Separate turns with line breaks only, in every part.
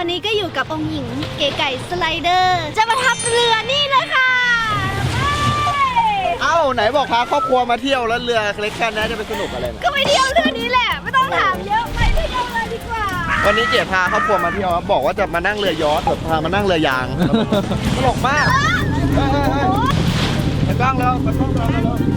อนนี้ก็อยู่กับองค์หญิงเก๋ไก่สไลเดอร์ จะมาทับเรือนี่เลยค่ะ
เอ้าไหนบอกพาครอบครัวมาเที่ยวแล้วเรือเล็กแค่นี้จะไปสนุกอะไรนะ
ก็ไปเที่ยวเรือนี้แหละไม่ต้องถามเยอะไปเที่ยวเลยดีกว่า
วันนี้เก๋พาครอบครัวมาเที่ยวครับบอกว่าจะมานั่งเรือยอชต์แบบพามานั่งเรือยางตลกมากไปกล้องแล้วไปกล้องแล้ว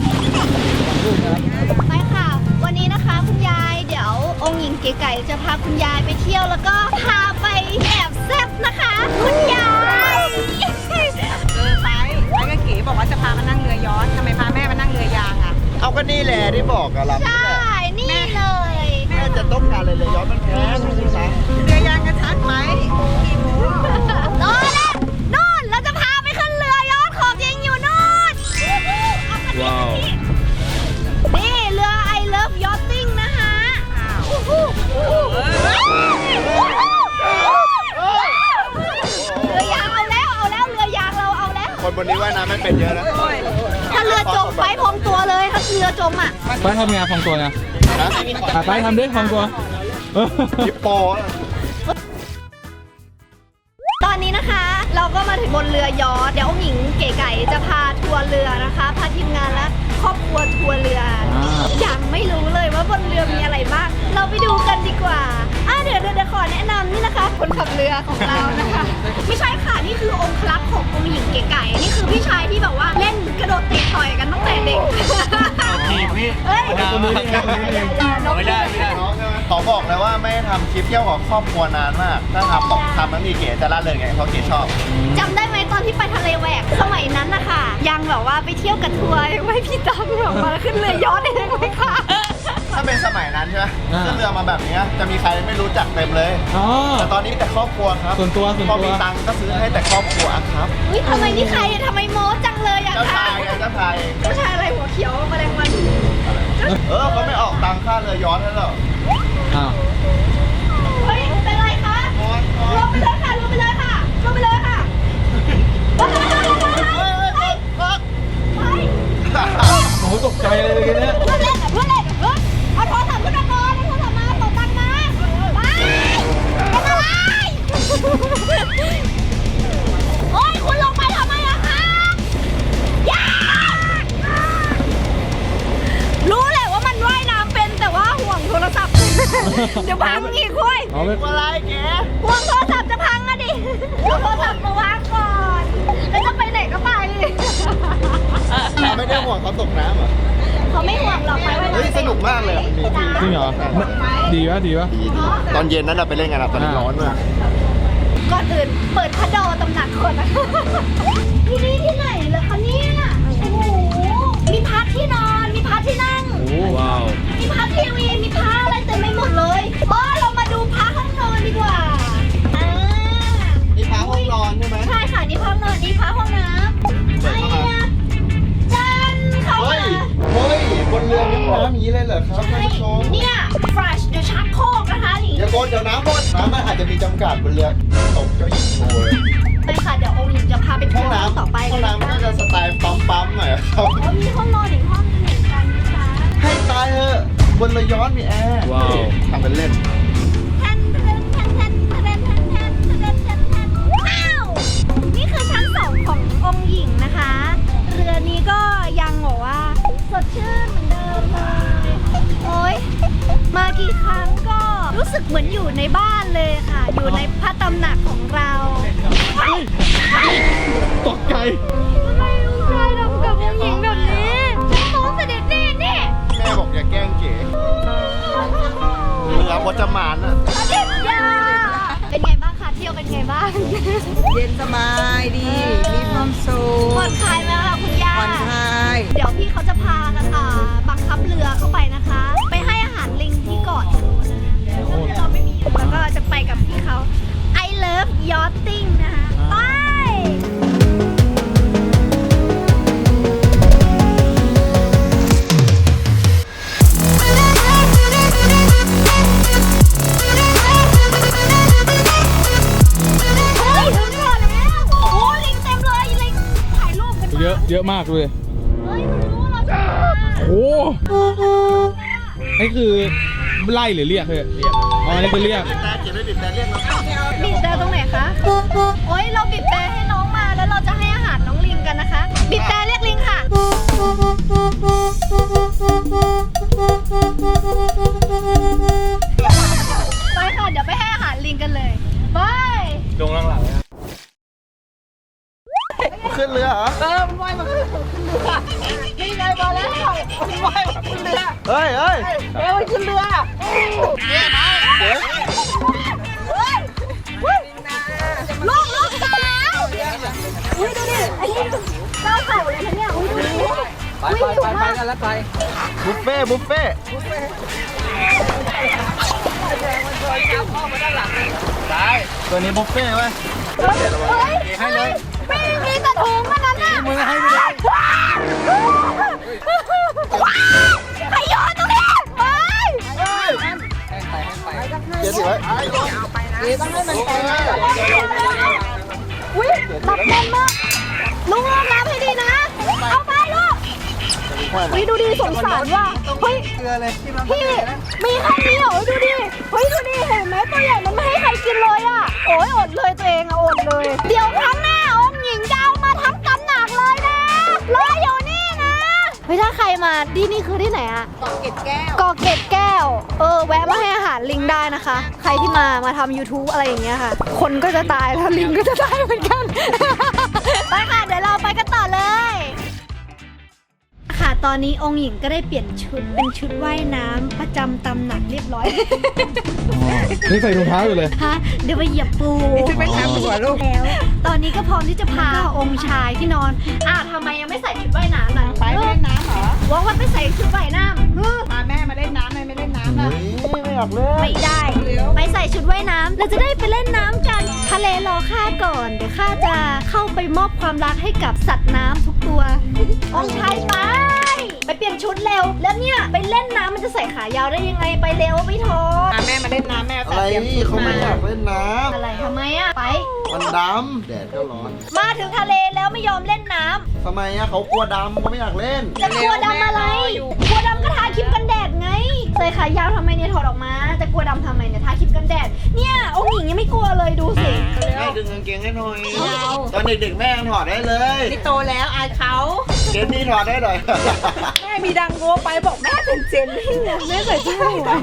ไปค่ะ วันนี้นะคะคุณยายเดี๋ยวองค์หญิงเก๋ไก่จะพาคุณยายไปเที่ยวแล้วก็พาไปแอบแซ่บนะคะคุณยาย
ไปกับเก๋บอกว่าจะพามานั่งเรือยอชต์ทำไมพาแม่มานั่งเรือยางอ่ะ
เอาก็นี่แหละที่บอกกับเรา
ใช่นี่เลย
แม่จะต้องการอะไรเรือยอชต์มันแพงไม่ใช่ไหม
เรือยางกระชัดไหมกี่โมง
โน่นแหละโน่นเราจะพาไปขึ้นเรือยอชต์ของจริงอยู่โน่นว้าวนี่เรือ I Love Yachting นะคะเรือยางเอาแล้วเรือยางเราเอาแล้ว
คนบนนี้ว่ายน้ำไม่เป็นเยอะนะ
ถ้าเรือจมไปพองตัวเลยถ้าเรือจมอ่ะ
ไปทำงานพองตัวไงไปทำดิพองตัว
ฮิปโป
ตอนนี้นะคะเราก็มาถึงบนเรือยอชต์เดี๋ยวองค์หญิงเก๋ไก่จะพาทัวร์เรือนะคะพาทีมงานและครอบครัวทัวร์เรือยังไม่รู้เลยว่าบนเรือมีอะไรบ้างเราไปดูกันดีกว่าเดี๋ยวขอแนะนำนี่นะคะคนขับเรือของเรานะคะไม่ใช่ค่ะนี่คือองค์ลับขององค์หญิงเก๋ไก่นี่คือพี่ชายที่แบบว่าเล่นกระโดดเตะต่อยกันตั้งแต่เด็ก
ทีมพี่
เฮ้ย
ตัวนี้ไม่ได้
ขอบอกเลยว่าไม่ได้ทำคลิปเที่ยวกับครอบครัวนานมากถ้าทำแล้วมีเก๋จะละเลยไงเพราะเก๋ชอบ
จำได้ไหมตอนที่ไปทะเลแหวกสมัยนั้นนะคะยังแบบว่าไปเที่ยวกับทัวร์ยังไม่พี่ตังแบบมาขึ้นเรือยอชต์เองเลยค่ะ
ถ้าเป็นสมัยนั้นใช่ไหมขึ้นเรือมาแบบนี้จะมีใครไม่รู้จักเต็มเลยแต่ตอนนี้แต่ครอบครัวครับพอมีตังค์ก็ซื้อให้แต่ครอบครัวครับ
อุ้ยทำไมนี่ใครทำไมโม้จังเลยอะ
เจ้า
คะ
ชายไงเจ้าชาย
เจ้าชายอะไรหัวเขียวแมลงวัน
เขาไม่ออกตังค่าเรือยอชต์ให้หรอ
เฮ้ยเป็นไรคะลงไปเลยค่ะลงไปเลยค่ะลงไปเลยค่ะ
โอ้ตกใจเลยเนี่ย
เพื่อนเล่นเอาโทรศัพท์ขึ้นมาก่อนเอาโทรศัพท์มาส่งตังค์มาไปเป็นอะไรโอ้ยคุณลงไปทำไมอะคะอย่ารู้แหละว่ามันว่ายน้ำเป็นแต่ว่าห่วงโทรศัพท์เดี๋ยวพังอีกคุย
อะไรแก
ห่วงโทรศัพท์จะพังอะดิเอาโทรศัพท์มาวางก่อนแล้วจะไปไหนก็ไป
ไม่ได้ห่วงเขาตกน้ำเหรอ
เขาไม่ห่วงหรอกไปว่า
เฮ้ยสนุกมากเลยมันมี
จริงเหรอดีวะ
ดีตอนเย็นนั้นเราไปเล่นกันตอนนี้ร้อนมาก
ก่อนอื่นเปิดพัดดอตำหนักก่อนนะที่นี่ที่ไหนเหรอคะเนี่ยโอ้โหมีพัดที่นอนมีพัดที่นั่ง
ว้าว
มีพัดทีวีมีพัดอะไรเต็มไปหมดเลยเรามาดูพัดห้องนอนดีกว่า
นี่พักห้องนอนใช่ไหม
ใช่ค่ะนี่พัดห้องนอนนี่พัดห้องน้ำไอ้เนี่ยจันเขา
เฮ้ยบนเรือมีน้ำอย่างนี้เลยเหรอครับท่านผู้ชม
เนี่ย fresh เดี๋ยวชักโครกนะคะนี่
อย่าโกนเดี๋ยวน้ำหมดน้ำมันอาจจะมีจำกัดบนเรือตกเจ้าหญิงโชว์เลย
ไปค่ะเดี๋ยวองค์หญิงจะพาไป
ห้
เที่
อง
ยว
น้ำ
ต่อไป
ห้องน้ำน่าจะสไตล์ปั๊มๆหน่อยครับ
มีห้องนอนอีกห้องนึงเหมือนกันนะคะ
ให้ตายเถอะบนเรือยอชต์มีแอร์ทำเป็นเล่น
แทนว้าวนี่คือชั้น2ขององค์หญิงนะคะ เรือนี้ก็ยังบอกว่าสดชื่นเหมือนเดิมเลยโอ๊ยมากี่ครั้งก็รู้สึกเหมือนอยู่ในบ้านเลยค่ะ อยู่ในพระตำหนักของเรา
ตกใจ
ทำไมลูกชายทำกับองค์หญิงแบบนี้ฉันฟ้องเสด็จแม่นี่
แม่บอกอย่าแกล้งเก๋เรือพจมานอะ
เด็กยาเป็นไงบ้างคะเที่ยวเป็นไงบ้าง
เย็นสบายดีมีความสุข
ผ่อนคลายไหมคะคุณย่า
ผ่อนคลาย
เดี๋ยวพี่เขาจะพาบังคับเรือเข้าไปนะคะ ไปให้อาหารลิงที่เกาะเราไม่มีแล้วก็จะไปกับพี่เขา I love yachting นะคะไป
เยอะมากเลย
เฮ้ยมันรู้เราจะมา
โอ้นี่คือไล่หรือเรียกเลยอ๋อนี่คือเรียก
แต่เก๋ไม่บิดแต่เรียกเรา
บีบแต่ตรงโอ๊ยเราบีบแต่ให้น้องมาแล้วเราจะให้อาหารน้องลิงกันนะคะบีบแต่เรียกลิงค่ะไปค่ะเดี๋ยวไปให้อาหารลิงกันเลยไป
ลงหลังๆขึ้นเรือเหรอ
มันว่ายมาขึ้นเรือนี่ไงมาแล้วมันว่ายมาขึ้นเรือ
เฮ้ยเฮ้ย
เร็วขึ้นเรือ
ลูกสาวอุ้ยดูดิไอ้นี่เจ้าเข่าเลยนะเนี่ยอุ้ยดูดิ
ไปกันแล้วไป
บุฟเฟ่บุฟเฟ่
ได้ตัวนี้บุฟเฟ่ต์ไหม
เฮ้ยให้เลยไม่มีกระถุงมันนั้นน่ะ
มือให้ไม่ได้
ใครโยนตรงนี้เฮ้ย
เจ๊ถือไว้
ต้องให้มันไปนะ
อุ้ยตับแน่นมากลุงลองน้ำให้ดีนะ เอาไปลูกอุ้ยดูดิสงสารว่ะเฮ้ย
เกลือเลยที่มัน
พี่มีแค่นี้เหรอดูดิเฮ้ยดูดิเห็นไหมตัวใหญ่มันไม่ให้ใครกินเลยอ่ะโอ้ยอดเลยตัวเองอะอดเลย เดี๋ยวครั้งหน้าองค์หญิงจะเอามาทั้งกำหนักเลยนะรออยู่นี่นะเฮ้ยถ้าใครมาที่นี่คือที่ไหนอะ
เกาะเกร็ดแก้ว
เกาะเกร็ดแก้วแวะมาให้อาหารลิงได้นะคะ ใครที่มาทำ YouTube อะไรอย่างเงี้ยค่ะ คนก็จะตายแล้วลิงก็จะตายเหมือนกัน ไปค่ะเดี๋ยวเราไปกันต่อเลยค่ะตอนนี้องค์หญิงก็ได้เปลี่ยนชุดเป็นชุดว่ายน้ำประจำตำหนักเรียบร้อย
นี่ใส่รองเท้าอยู่เลย
ฮะเดี๋ยวไปเหยียบปู
ชุดว่ายน้ำดีกว่าลูก
แล้วตอนนี้ก็พร้อมที่จะพาองค์ชายที่นอนทำไมยังไม่ใส่ชุดว่ายน้ำล่ะ
ไปเล่นน้ำเหรอ
ว่าวันไปใส่ชุดว่ายน้ำ
พาแม่มาเล่นน้ำไม่เล่นน้ำนะ
ไม่อยากเล่น
ไม่ได้ ไปใส่ชุดว่ายน้ำเราจะได้ไปเล่นน้ำกัน ทะเลรอข้าก่อน เดี๋ยวข้าจะเข้าไปมอบความรักให้กับสัตว์น้ำทุกตัว องค์ชายไปเปลี่ยนชุดเร็ว แล้วเนี่ยไปเล่นน้ำมันจะใส่ขายาวได้ยังไง ไปเร็วไม่ทน
พาแม่มาเล่นน้ำแม่
อะไร
เตรียมชุด
เขาไม่
มา
อยากเล่นน้
อะไรทำไมอะไป
ำมันดำแดดก็ร้อน
มาถึงทะเลแล้วไม่ยอมเล่นน้ำ
ทำไมอะเขากลัวดำเขาไม่อยากเล่น
จะกลัวดำอะไร กลัวดำก็ทาครีมกันแดดไง ใส่ขายาวทำไมเนี่ยถอดออกมา จะกลัวดำทำไมเนี่ยทาครีมกันแดด เนี่ยองค์หญิงยังไม่กลัวเลยดูสิ
แม่ดึงกางเกงให้หน่อย ตอนเด็กๆแม่ยังถอดได้เลย
นี่โตแล้วอายเขา
เกมนี้ถอดได้หน่อย
แม่มีดังโง่ไปบอกแม่เป็นเจนนี่ไงแม่ใส่ชุดว่ายน้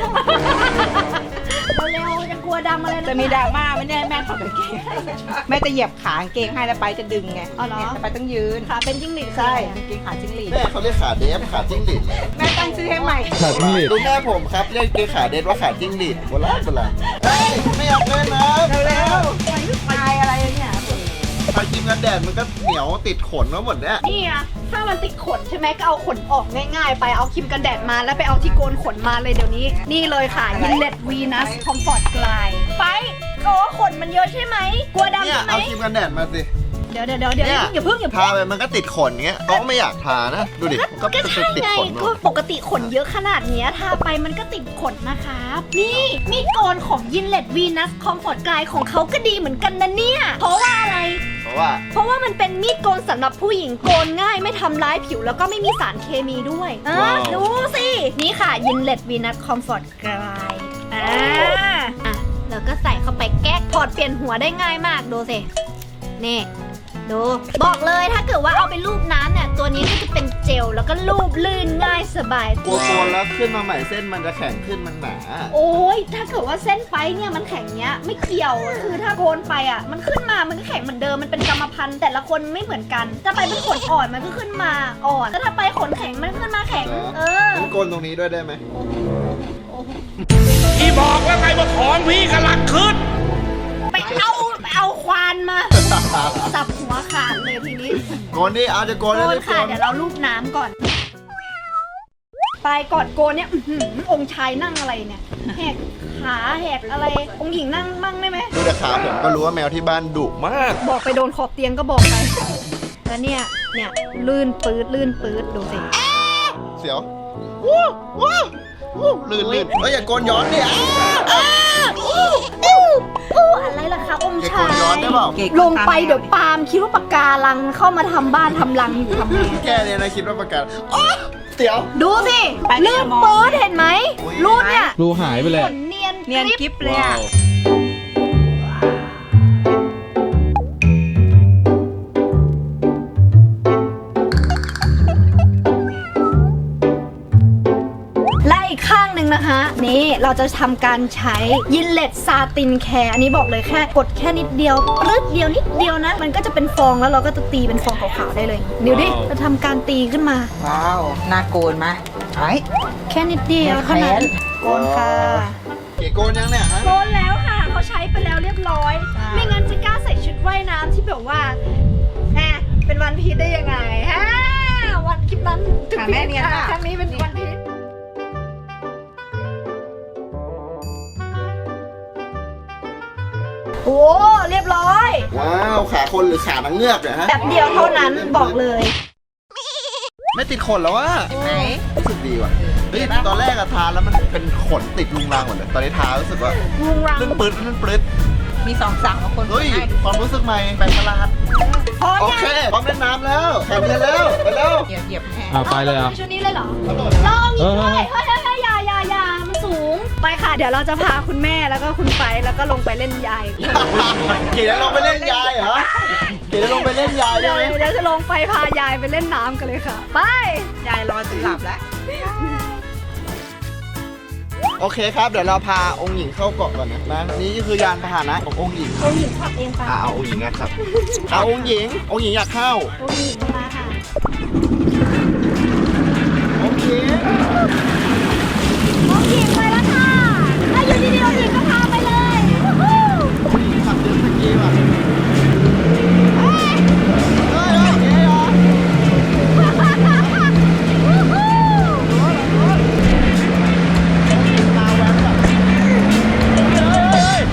เร็วๆจะกลัวดำอะไรนะ
ำจะมีดราม่าไหมเนี่ยแม่ถอดกางเกงแม่จะเหยียบขากางเกงให้แล้วไปจะดึงไง
อ๋อเหรอ
เนี่ยไปต้องยืน
ขาเป็นจิ้งหรีด
ใช่กางเกงขาจิ้งหรีด
แม่เขาเรียกขาเดฟขาจิ้งหรีดเลย
แม่ตั้งชื่อให้ใหม่
ขาดนี่
ดูแม่ผมครับเรียกเกงขาเดฟว่าขาจิ้งหรีดโบราณเฮ้ยไม่อยากเล่นนะ
เร็วตายอะไรเนี่ย
ทาครีมกันแดดมันก็เหนียวติดขนมาหมดเนี่ย
นี่อะถ้ามันติดขนใช่ไหมก็เอาขนออกง่ายๆ ไปเอาครีมกันแดดมาแล้วไปเอาที่โกนขนมาเลยเดี๋ยวนี้ นี่เลยค่ะยินเลดวีนัสคอมฟอร์ตกลายไปโอ้ขนมันเยอะใช่ไหมกลัวดำ
เนี่ย
ใช่ไหม
เอาครีมกันแดดมาสิ
เดี๋ยวอย่า
เนี่ย
เพิ่ง
ทาไปมันก็ติดขนเงี้ยเขาก็ไม่อยากทานะ ดูดิมันก็
ก็
ติด
ใช่
ติด
ไง
ขนหม
ก็
ด
ปกติขนเยอะขนาดเนี้ยทาไปมันก็ติดขนนะครับนี่มีดโกนของยินเลดวีนัสคอมฟอร์ตกลายของเขาก็ดีเหมือนกันนะเนี่ยเพราะว่าอะไร
เพราะว่า
มันเป็นมีดโกนสำหรับผู้หญิงโกนง่ายไม่ทำร้ายผิวแล้วก็ไม่มีสารเคมีด้วยดูสินี่ค่ะยินเลดวีนัสคอมฟอร์ตกลายแล้วก็ใส่เข้าไปแก๊กถอดเปลี่ยนหัวได้ง่ายมากดูสินี่ดูบอกเลยถ้าเกิดว่าเอาไปลูบน้ำเนี่ยตัวนี้ก็จะเป็นเจลแล้วก็ลูบลื่นง่ายสบาย
กลัวโกนแล้วขึ้นมาใหม่เส้นมันจะแข็งขึ้นมันหนา
โอ้ยถ้าเกิดว่าเส้นไปเนี่ยมันแข็งเนี้ยไม่เกี่ยวคือถ้าโกนไปอ่ะมันขึ้นมามันก็แข็งเหมือนเดิมมันเป็นกรรมพันธุ์แต่ละคนไม่เหมือนกันจะไปเป็นขนอ่อนมันก็ขึ้นมาอ่อนแต่ถ้าไปขนแข็งมันขึ้นมาแข็ง
งั้นโกนตรงนี้ด้วยได้ไหม
พี่บอกแล้วไงว่าของพี่กำลังขึ้น
ไปเอาควานมาสับหัวขาดเลยทีนี้
โกนดิเอาจะโกน
โก
ได้เล
น
ย
ค่ะเดี๋ยวเราลูบน้ำก่อน ไปก่อนโกนเนี่ยองค์ชายนั่งอะไรเนี่ยแหกขาแหกอะไรองค์หญิงนั่งมั่งได้ไหม
ดูแต่ขาผมก็รู้ว่าแมวที่บ้านดุมาก
บอกไปโดนขอบเตียงก็บอกไปแล้วเนี่ยลื่นปื๊ดดูสิ
เสียวลื่นเฮ้ยอย่าโกนย้อนดิ
อะไรล่ะคะองค์
อย่า
ชา
โกนย้อน
ย
ได้เปล่า
ลงไปเดี๋ยวปาล์มคิดว่าปากการังเข้ามาทำบ้านทำรังอยู่ทำไง
แค่เนี้นะคิดว่าประกาศเสียว
ดูสิลื่นปื๊ดเห็นไหมรูปเนี่ย
รูหายไปเลย
ขนเนียน
เนียน
กริบ
กิ๊บเลยอ่ะ
เราจะทำการใช้ยินเลตซาตินแคร์อันนี้บอกเลยแค่กดแค่นิดเดียวรึดเดียวนิดเดียวนะมันก็จะเป็นฟองแล้วเราก็จะตีเป็นฟองขาวๆได้เลยเดี๋ยวดิจะทำการตีขึ้นมา
ว้าวน่าโกนมาไอ้
แค่นิดเดียวเท่านั้นโกนค่ะ
เก๋โกนยังเนี่ยฮะ
โกนแล้วค่ะเขาใช้ไปแล้วเรียบร้อย ไม่งั้นจะกล้าใส่ชุดว่ายน้ำที่แบบว่าแหมเป็นวันพีชได้ยังไงฮะวันคลิปนั้นถึง
แม่เนียน
ครั้งนี้เป็นวันพีชโอ้เรียบร้อย
ว้าวขาคนหรือขานางเงือกเนี่ยฮะ
แบบเดียวเท่านั้นบอกเลย
ไม่ติดขนแล้ววะ
ไหน
รู้สึกดีว่ะเฮ้ยตอนแรกอะทาแล้วมันเป็นขนติดลุงรังหมดเลยตอนนี้ทารู้สึกว่า
ลุงรัง
ลื่นปื๊ดลื่นปื๊ด
มี2 สั่งของคน
เฮ้ย
ให้
ความรู้สึกใหม่แปลกประหลาด
พอ
โอ
ยัง
เคพร้อมเล่นน้ำแล้วแข่งกันแล้วไปแล้ว
เหยียบแห้ง
ไปเลยอ่ะ
ชุดนี้เลยเหรอลองอีกด้วยเฮ้ยอย่ามันสูงไปค่ะเดี๋ยวเราจะพาคุณแม่แล้วก็คุณไปแล้วก็ลงไปเล่นยาย
เก๋จะลงไปเล่นยายเหรอเก๋จะลงไปเล่นยายได้
เดี๋ยว
ไหม
เดี๋ยวจะลงไปพายายไปเล่นน้ำกันเลยค่ะ ไป
ยายรอจนหลับแล้ว
โอเคครับเดี๋ยวเราพาองค์หญิงเข้าเกาะก่อนนะนี่คือยานพาหนะขององค์หญิง
องค์หญิงขับเองไป
เอาองค์หญิงนะครับเอาองค์หญิงอยากเข้า
องค์หญิงมาค่ะ
โอเค
องค์หญิงไปแล้วค่ะถ้าอยู่ดีๆองค์หญิงก็พาไปเลยวู้ฮู้
องค์หญิงขับเรือสกีว่ะเฮ้ยเก๋เหรอ
วู้ฮู้
มาแว้นแบบเฮ้ย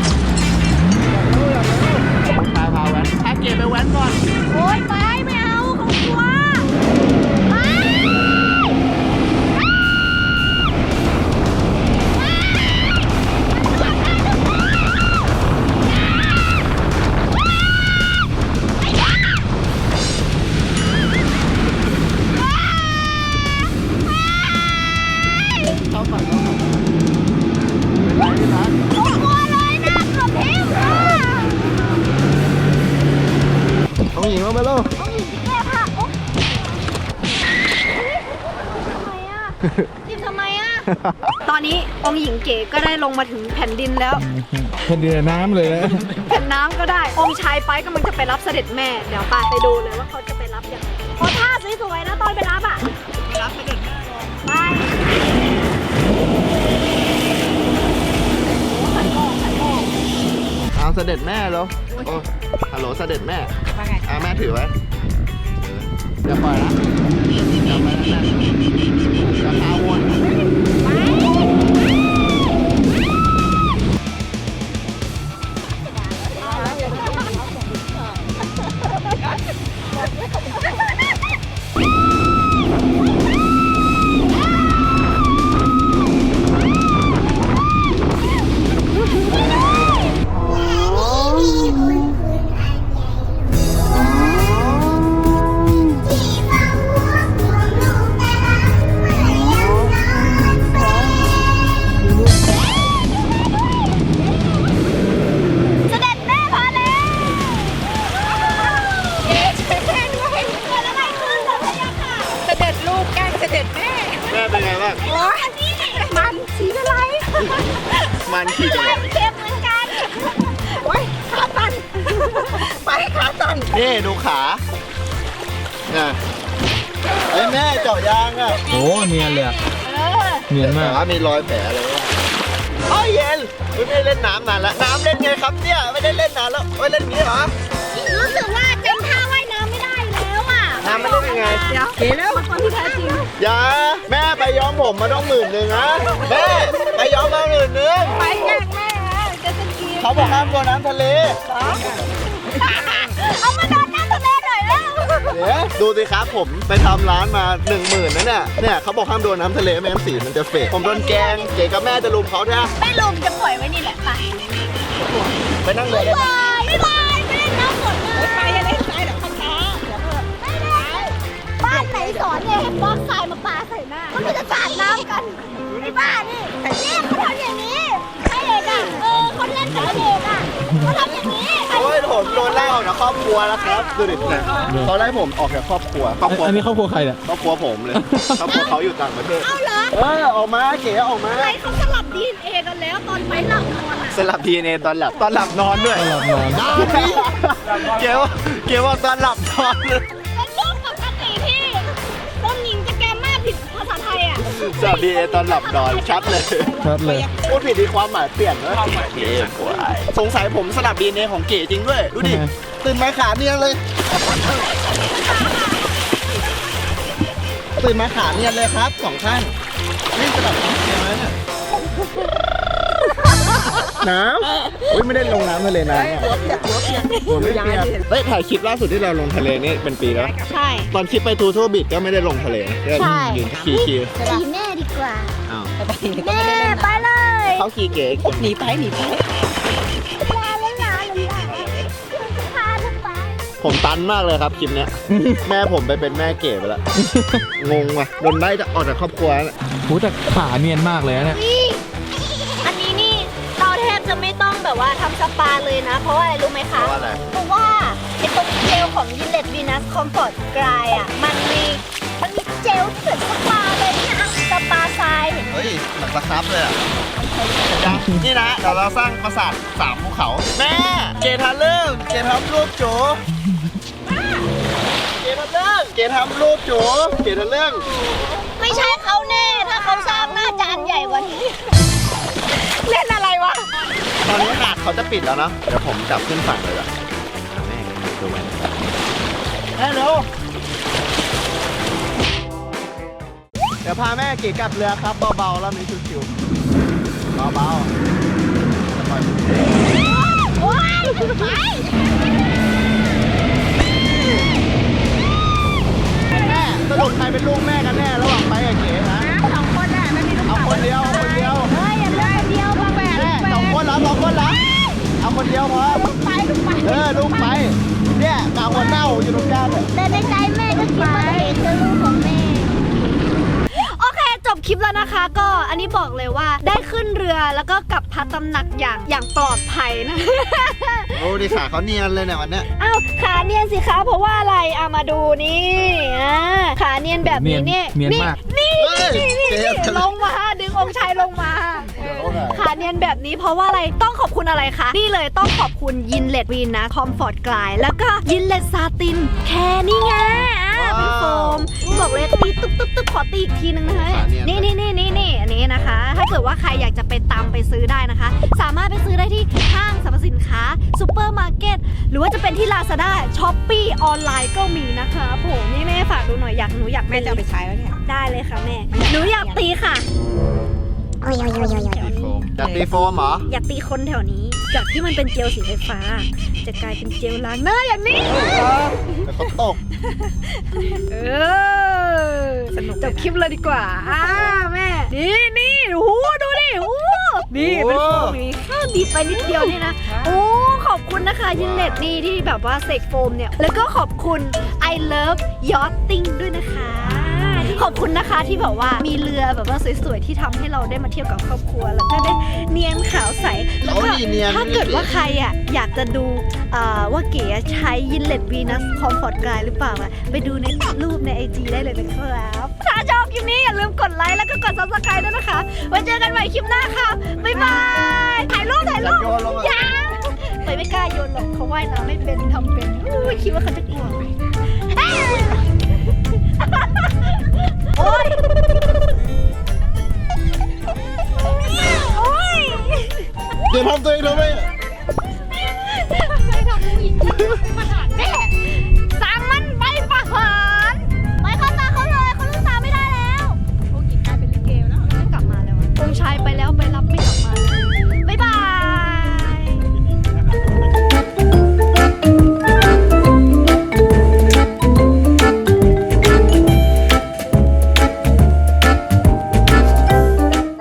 พาแว้นพาเก๋ไปแว้นก่อน
โอ๊ยไปไม่เอาเขากลัวไป
เข้าก่อนไปที่ร้าน
กลัวเลยนะเกือบทิ่มค่ะ
องค์หญิงลงไปแล้ว
องค์หญิงที่แก้ผ้าโอ๊ะทำไมอ่ะ ตอนนี้องค์หญิงเก๋ก็ได้ลงมาถึงแผ่นดินแล้ว
แผ่นดินน้ำเลยนะ
แผ่นน้ำก็ได้ องค์ชายไปกำลังจะไปรับเสด็จแม่ เดี๋ยวไปดูเลยว่าเขาจะไปรับยังไงโอ้ท่าสวยๆนะตอนไปรับอ่ะ
รับเสด็จแม่
ไป
เอาเสด็จแม่แล้วโอ้ฮัลโหลเสด็จแม่
ว่าไง
แม่ถือไว้อย่าปล่อยนะอย่าไปนะอย่าพาวน
เสด็จแม่พาแล้วเก๋ช่วยแม่ด้วยเกิดอะไรขึ้นเหรอพะยะค่ะ
เสด็จลูกแกล้งเสด็จแม่
แม่เป็นไงบ้าง
โอ้ยนี่มันสีอะไร
มันขี่จังเลย
เค็มเหมือนกัน
โอ้ยขาตัน ไปขาตัน
นี่ดูขาเนี่ยไอ้ยแม่เจาะยางอ่ะ
โอ้เนียนเลยอะ
เออ
เนียนมาก
ขามีรอยแผลเลยว่ะโอ้ยเย็นไม่ได้เล่นน้ำนานแล้วน้ำเล่นไงครับเนี่ยไม่ได้เล่นนานแล้วไม่เล่นอย่างนี้เหรอ
รู้สึกว่าจำท่าว่ายน้ำไม่ได้แล้วอ่ะ
น้ำไม่ได้ยังไง
เดี๋ยวเก๋แล้วคนที่แท้จริง
อย่าแม่ไปย้อมผมมาต้อง10,000นะแม่ไปย้อมมา10,000
ไปแกล้งแม่จะสกี
เขาบอกห้ามโดนน้ำทะเล
เอามาโดนน้ำทะเลหน่อยแล้ว
เดี๋ยวดูสิครับผมไปทำร้านมา10,000นะเนี่ยเขาบอกห้ามโดนน้ำทะเลไม่งั้นสีมันจะเฟดผมโดนแกงเก๋กับแม่จะลุมเขาใช่ไหม
ไม่ลงจะปล่อยไว้นี่แหละไป
ไปนั่งเลยได้ไหม
บายไม่เล่นน้ำหมดเลย
ไปอย่าเล่นทรายเดี๋ยวเขาช้าเดี๋ยวเถอะ
ไม่เล่นบ้านไหนสอนเนี่ยให้บล็อกทรายมาปาใส่หน้ามันจะสาดน้ำกันไอ้บ้านี่เนี่ยเขาทำอย่างนี้ให้เด็กอ่ะเขาเล่นกับเด็กอ่ะเขาทำอย่างนี้
โอ้ยผมโดนไล่ออกจากครอบครัวแล้วครับดูดิเนี่ยเขาไล่ผมออกจากครอบครัว
อันนี้ครอบครัวใครเนี่ย
ครอบครัวผมเลยครอบครัวเขาอยู่ต่างประเทศ
เอาเหรอ
ออกมาเก๋ออกมา
ใครเขาสลับ DNA กันแล้วตอนไปหลับนอนอ่ะ
สลับ DNA ตอนหลับนอนด้วย
ตอนหลับนอน
เก๋ว่าตอนหลับนอนเลย
เป็นเรื่องปกติพี่ต้นหญิงจะแกมากผิดภาษาไทยอ่ะ
สลับ DNA ตอนหลับนอนชัดเลย
ชัดเลย
พูดผิดดีความหมายเปลี่ยนนะเก๋กว่าสงสัยผมสลับ DNA ของเก๋จริงด้วยดูดิตื่นมาขาเนียนเลยตื่นมาขาเนียนเลยครับสองข้างนี่สลับเนียนแล้วเนี่ยน้ำอุ้ยไม่ได้ลงน้ำทะเลนานเนี่ยผมไม่เปียกเฮ้ยถ่ายคลิปล่าสุดที่เราลงทะเลนี่เป็นปีแล้ว
ใช่
ตอนคลิปไปทูโทบิดก็ไม่ได้ลงทะเล
ใช่
ยืนขี่
ขี่แม่ดีกว่า
อ้าว
แม่ไปเลย
เขาขี่เก๋
หนีไป
ลาเล่นลาพาลูกไป
ผมตันมากเลยครับคลิปเนี้ย แม่ผมไปเป็นแม่เก๋ไปแล้ว งงว่ะโดนไล่จะออกจากครอบครัวแล้ว
โหแต่ขาเนียนมากเลยนะเนี่ย
นี่อันนี้นี่เราแทบจะไม่ต้องแบบว่าทำสปาเลยนะ เพราะว่าอะไรรู้ไหม
เพ
คะ
ราะว่าอะไร
เพราะว่าไอ้ตรงเจลของ Gillette Venus Comfort Dry อ่ะมันมีเจลที่เหมือนสปาเลยนี่นะสปาทรายเห็นไหม
เฮ้ยหนักสครับเลยอ่ะนี่นะเดี๋ยวเราสร้างปราสาท3ภูเขา แม่ เกทำเรื่องเกทำรูปโจเกทำเรื่องเกทำรูปโจเกทำเรื่อง
ไม่ใช่เขาแน่ ถ้าเขาสร้างน่าจะอันใหญ่กว่านี้ เล่นอะไรวะ
ตอนนี้หาดเขาจะปิดแล้วนะ เดี๋ยวผมจับขึ้นฝั่งเลยอ่ะแม่ดูมันฮัลโหลเดี๋ยวพาแม่เก๋กลับเรือครับเบาๆแล้วมีชิวๆเบาๆจะปล่อยมือ
โอ้ยไป
แม่สรุปใครเป็นลูกแม่กันแน่ระหว่างไปกับเก๋นะ
สองคนน่ะไม่มีลูก
เอาคนเดียวเอาคนเดียว
เฮ้ยอย่าเลือกคนเดียวบางแบบ
แม่2 คนเหรอ2 คนเหรอเอาคนเดียวพอ
ไปลูกไป
ลูกไปเนี่ยกาวหัวเน่าอยู่ตรงกลางเนี่ย
แต่ในใจแม่ก็คิดว่าเก๋คือลูกของแม่ โอเคจบคลิปแล้วนะคะ ก็อันนี้บอกเลยว่าได้ขึ้นเรือแล้วก็กลับพักตำหนักอย่างปลอดภัยนะ
โอ้ดิขาเขาเนียนเลยเนี่ยวันเนี้ย
อ้าวขาเนียนสิคะเพราะว่าอะไรมาดูนี่ขาเนียนแบบนี้นี่
เนียนมาก
นี่ลงมาดึงองค์ชายลงมาขาเนียนแบบนี้เพราะว่าอะไรต้องขอบคุณอะไรคะนี่เลยต้องขอบคุณยินเลดวีนนะคอมฟอร์ตกลายแล้วก็ยินเลดซาตินแค่นี่ไงเป็นโฟมบอกเลยตีตุ๊บขอตีอีกทีนึงนะคะนี่อันนี้นะคะ ถ้าเกิดว่าใครอยากจะไปตามไปซื้อได้นะคะ สามารถไปซื้อได้ที่ห้างสรรพสินค้าซูเปอร์มาร์เก็ตหรือว่าจะเป็นที่ Lazada Shopee ออนไลน์ก็มีนะคะผมนี่แม่ฝากดูหน่อยหนูอยาก
แม่จะเอาไปใช้แล้วเนี่ย
ได้เลยค่ะแม่หนูอยากตีค่ะ
จะตีโฟมเหรอ
อยากตีคนแถวนี้ จากที่มันเป็นเจลสีไฟฟ้า จะกลายเป็นเจลล้างหน้าอย่างนี้
แต่เขาตก
สนุก
จบคลิปเลยดีกว่าแม่นี่โอ้โหดูดิโอ้นี่เป็นโฟมนี้แค่บีบไปนิดเดียวนี่นะโอ้ขอบคุณนะคะยินเน็ตนี่ที่แบบว่าเสกโฟมเนี่ยแล้วก็ขอบคุณ I love yachting ด้วยนะคะขอบคุณนะคะที่แบบว่ามีเรือแบบว่าสวยๆที่ทำให้เราได้มาเที่ยวกับครอบครัวแล้วก็ได้เนียนขาวใสแล้วก็ถ้าเกิดว่าใครอยากจะดูว่าเก๋ใช้ยินเลดวีนัสคอมฟอร์ตกายหรือเปล่าไปดูในรูปใน IG ได้เลยนะครับถ้าชอบคลิปนี้อย่าลืมกดไลค์แล้วก็กด Subscribe ด้วยนะคะไว้เจอกันใหม่คลิปหน้าค่ะบ๊ายบายถ่ายรูปยังไม่กล้าโยนหรอกเขาว่ายน้ำไม่เป็นทำเป็นคิดว่าเขาจะกลัวไหมโอ๊ย
อย่าทำตัวเองทำไม